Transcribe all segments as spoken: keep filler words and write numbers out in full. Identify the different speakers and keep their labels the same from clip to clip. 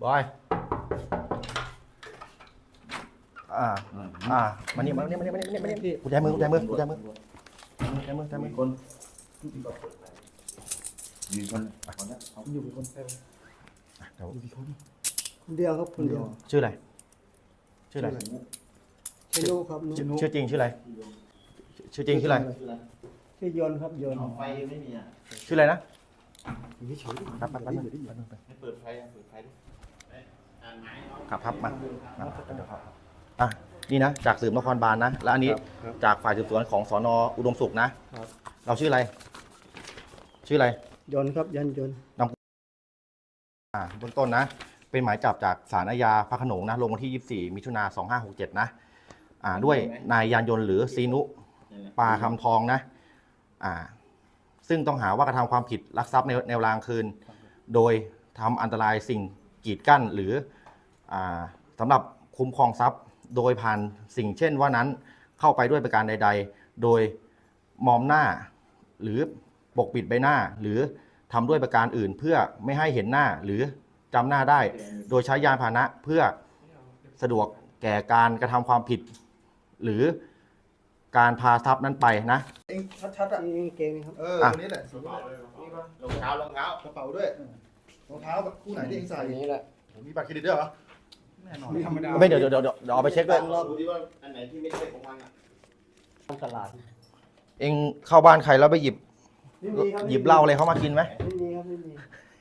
Speaker 1: บอยอ่าอ่ามานี่มานี่มานี่มานี่มานี่มานี่กุญแจมือกุญแจมือกุญแจมือกุญแจมือกุญแจมือ
Speaker 2: คนมีคนคนนี้
Speaker 3: ผมอยู่เป็นคนเดียว
Speaker 1: เดี๋ยว
Speaker 3: อยู่กี่คนคนเดียวครับคนเดียว
Speaker 1: ชื่ออะไรชื่ออะไร
Speaker 3: ชื่อนุครับนุ
Speaker 1: ชื่อจริงชื่ออะไรชื่อจริงชื่ออะไร
Speaker 3: ชื่อยนต์ครับยนต์
Speaker 2: ไฟไม่มีอ่ะ
Speaker 1: ชื่ออะไรนะ
Speaker 3: อยู่เฉยๆ
Speaker 1: ครับครับครับ
Speaker 2: ให้เปิดไฟเปิดไฟดิ
Speaker 1: ครับครับมามาเดี๋ยวครับอ่ะนี่นะจากสืบนครบาลนะแล้วอันนี้จากฝ่ายสืบสวนของสนอุดมสุขนะเราชื่ออะไรชื่ออะไร
Speaker 3: ยนต์ครับยันยนต์
Speaker 1: อ่าเบื้องต้นนะเป็นหมายจับจากศาลอาญาพระโขนงนะลงวันที่ยี่สิบสี่มิถุนาสองห้าหกเจ็ดนะอ่าด้วยนายยานยนต์หรือซีนุปาคำทองนะอ่าซึ่งต้องหาว่ากระทำความผิดลักทรัพย์ในแนวรางคืน โดยทำอันตรายสิ่งกีดกั้นหรืออ่าสำหรับคุ้มครองทรัพย์ โดยผ่านสิ่งเช่นว่านั้นเข้าไปด้วยประการใด ๆ โดยมอมหน้าหรือปกปิดใบหน้าหรือทำด้วยประการอื่นเพื่อไม่ให้เห็นหน้าหรือจำหน้าได้ โดยใช้ยานพาหนะเพื่อสะดวกแก่การกระทำความผิด หรือการพาทรัพย์นั้นไปนะ
Speaker 4: เองชัดๆอ่ะ
Speaker 3: นี่เกงครับ
Speaker 4: เออตัวนี้แหละกระเป๋าเลยนี่ป่ะ
Speaker 2: รองเท้ารองเท้าก
Speaker 4: ระเป๋าด้วยรองเท้าแบบคู่ไหนที่เองใส่
Speaker 3: อันนี้แหละ
Speaker 4: ผมมีบัตรเครดิตด้วยเหรอแน่นอน
Speaker 3: ไม่ธรรมดา
Speaker 1: ไม่เดี๋ยวเดี๋ยวเดี๋ยวเดี๋ยวเอาไปเช็คด้วย
Speaker 2: ดูดิว่าอันไหนที่ไม่ใช่ของมันอ่ะ
Speaker 3: ตลาด
Speaker 1: เองเข้าบ้านใครแล้วไปหยิบ
Speaker 3: ไม่มีครับ
Speaker 1: หยิบเหล้าอะไรเขามากินไหม
Speaker 3: ไม่มีครับไม่มี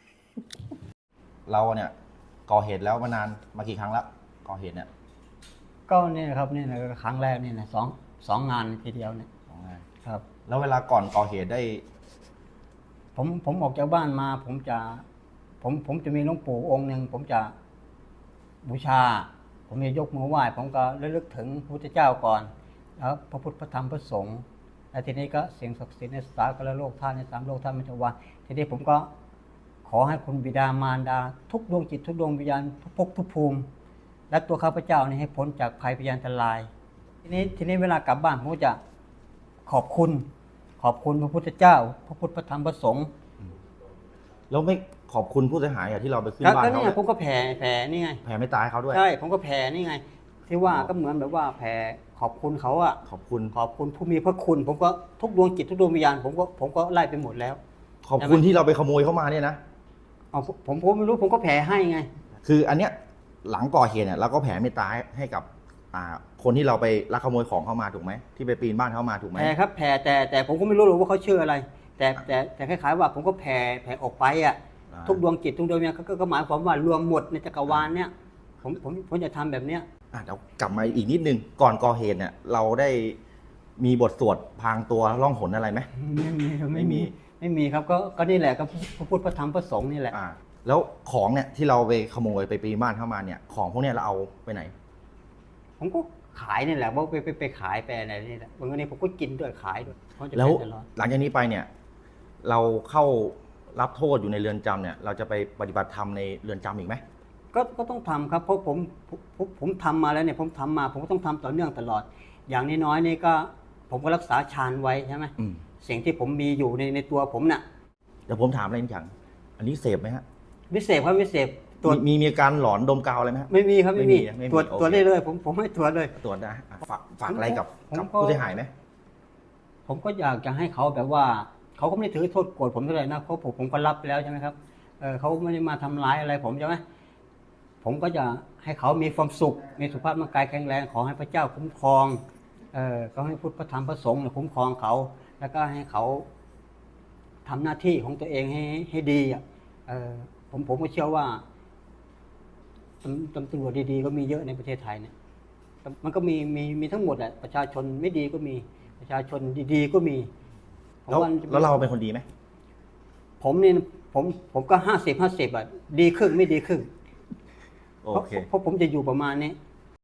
Speaker 1: เราเนี่ยก่อเหตุแล้วมานานมากี่ครั้งแล้วก่อเหตุเนี่ย
Speaker 3: ก็เนี่ยครับนี่นะครั้งแรกนี่นะสองสองงานทีเดียวเนี่ย
Speaker 1: สองงาน
Speaker 3: ครับ
Speaker 1: แล้วเวลาก่อนก่อเหตุได้
Speaker 3: ผมผมออกจากบ้านมา ผมจะ ผมผมจะมีหลวงปู่องค์หนึ่งผมจะบูชา ผมจะยกมือไหว้ผมก็ระลึกถึงพระพุทธเจ้าก่อนแล้วพระพุทธพระธรรมพระสงฆ์แล้วทีนี้ก็เสียงศักดิ์สิทธิ์ในสากลโลกท่านในสามโลกท่านมิจวาทีนี้ผมก็ขอให้คุณบิดามารดา ทุกดวงจิตทุกดวงวิญญาณทุกภพทุกภูมิ และตัวข้าพเจ้านี่ให้พ้นจากภัยพยานตราย ทีนี้ทีนี้เวลากลับบ้านผมก็จะขอบคุณ ขอบคุณพระพุทธเจ้า พระพุทธพระธรรมพระสงฆ์
Speaker 1: แล้วไม่ขอบคุณผู้เสียหายอะที่เราไปขึ้น
Speaker 3: ก็
Speaker 1: บ้าน
Speaker 3: ก็
Speaker 1: เขา
Speaker 3: นี่ไงผมก็แผ่แผ่นี่ไง
Speaker 1: แผ่ไม่ตายเขาด้วย
Speaker 3: ใช่ผมก็แผ่นี่ไง ที่ว่าก็เหมือนแบบว่าแผ่ขอบคุณเขาอะ
Speaker 1: ขอบคุณ
Speaker 3: ขอบคุณผู้มีพระคุณ ผมก็ทุกดวงจิตทุกดวงวิญญาณผมก็ผมก็ไล่ไปหมดแล้ว
Speaker 1: ขอบคุณที่เราไปขโมยเข้ามาเนี่ยนะ
Speaker 3: เอาผมผมผมไม่รู้ผมก็แผ่ให้ไง
Speaker 1: คืออันเนี้ยหลังก่อเหตุเนี่ยเราก็แผ่เมตตาให้กับอ่าคนที่เราไปลักขโมยของเข้ามาถูกไหมที่ไปปีนบ้านเข้ามาถูกไหม
Speaker 3: แผ่ครับแผ่แต่แต่ผมก็ไม่รู้หรอกว่าเขาชื่ออะไร แต่แต่แต่คล้ายๆว่าผมก็แผ่แผ่ออกไปอ่ะ
Speaker 1: อ่า
Speaker 3: ทุกดวงจิตทุกดวงวิญญาณก็ก็ก็หมายความว่ารวมหมดในจักรวาลเนี่ยผมผมผมจะทำแบบเนี้ย
Speaker 1: อ่ะเดี๋ยวกลับมาอีกนิดนึงก่อนก่อเหตุเนี่ยเราได้มีบทสวดพรางตัวล่องหนอะไรไหม
Speaker 3: ไม่มีครับ
Speaker 1: ไม่มี
Speaker 3: ไม่มีครับก็ก็นี่แหละก็พระพุทธพระธรรมพระสงฆ์นี่แหละ
Speaker 1: อ่าแล้วของเนี่ยที่เราไปขโมยไปปีนบ้านเข้ามาเนี่ยของพวกเนี้ยเราเอาไปไหน
Speaker 3: ผมก็ขายนี่แหละว่าไปไปไปขายไปอะไรนี่แหละบางทีผมก็กินด้วยขายด้วยเพราะจะ
Speaker 1: แล้ว
Speaker 3: เป็นตลอด
Speaker 1: หลังจากนี้ไปเนี่ยเราเข้ารับโทษอยู่ในเรือนจำเนี่ยเราจะไปปฏิบัติธรรมในเรือนจำอีกไหม
Speaker 3: ก็ก็ต้องทำครับเพราะผมผมผมผมทำมาแล้วเนี่ยผมทำมา ผมก็ต้องทำต่อเนื่องตลอด อย่างน้อยๆนี่ก็ผมก็รักษาฌานไว้ใช่ไหม
Speaker 1: อืม
Speaker 3: สิ่งที่ผมมีอยู่ในในตัวผมน่ะ
Speaker 1: เดี๋ยวผมถามอะไรนิดอย่างอันนี้เสพไหมฮะ
Speaker 3: ไม่เสพครับไม่เสพตรวจ
Speaker 1: มีมีมีอาการหลอนดมกาวอะไรไหมฮะ
Speaker 3: ไม่มีครับไม่มี
Speaker 1: ไม่มีไม่มี
Speaker 3: ตรวจ
Speaker 1: โอเค
Speaker 3: ตรวจได้เลยผมผมให้ตรวจเลย
Speaker 1: ตรวจนะอ่ะฝากฝากอะไรกับ
Speaker 3: ผม
Speaker 1: กับ
Speaker 3: ก็
Speaker 1: ผู้เสียหายไหม
Speaker 3: ผมก็อยากจะให้เขาแบบว่าเขาก็ไม่ได้ถือโทษโกรธผมเท่าไหร่นะเพราะผมผมก็รับไปแล้วใช่ไหมครับเออเขาไม่ได้มาทำร้ายอะไรผมใช่ไหมผมก็จะให้เขามีความสุขมีสุขภาพร่างกายแข็งแรงขอให้พระเจ้าคุ้มครองเออก็ให้พุทธพระธรรมพระสงฆ์เนี่ยคุ้มครองเขา แล้วก็ให้เขาทำหน้าที่ของตัวเองให้ให้ดีอ่ะเออผมผมก็เชื่อว่าตำตำตำรวจดีๆก็มีเยอะในประเทศไทยเนี่ยมันก็มีมีมีทั้งหมดแหละประชาชนไม่ดีก็มีประชาชนดีๆก็มีผม
Speaker 1: แล้ว
Speaker 3: ว่า
Speaker 1: แล้วเราเป็นคนดีไหม
Speaker 3: ผมเนี่ยผมผมก็ห้าสิบห้าสิบอ่ะดีครึ่งไม่ดีครึ่ง
Speaker 1: โอ
Speaker 3: เพราะ
Speaker 1: เค
Speaker 3: เพราะผมจะอยู่ประมาณนี้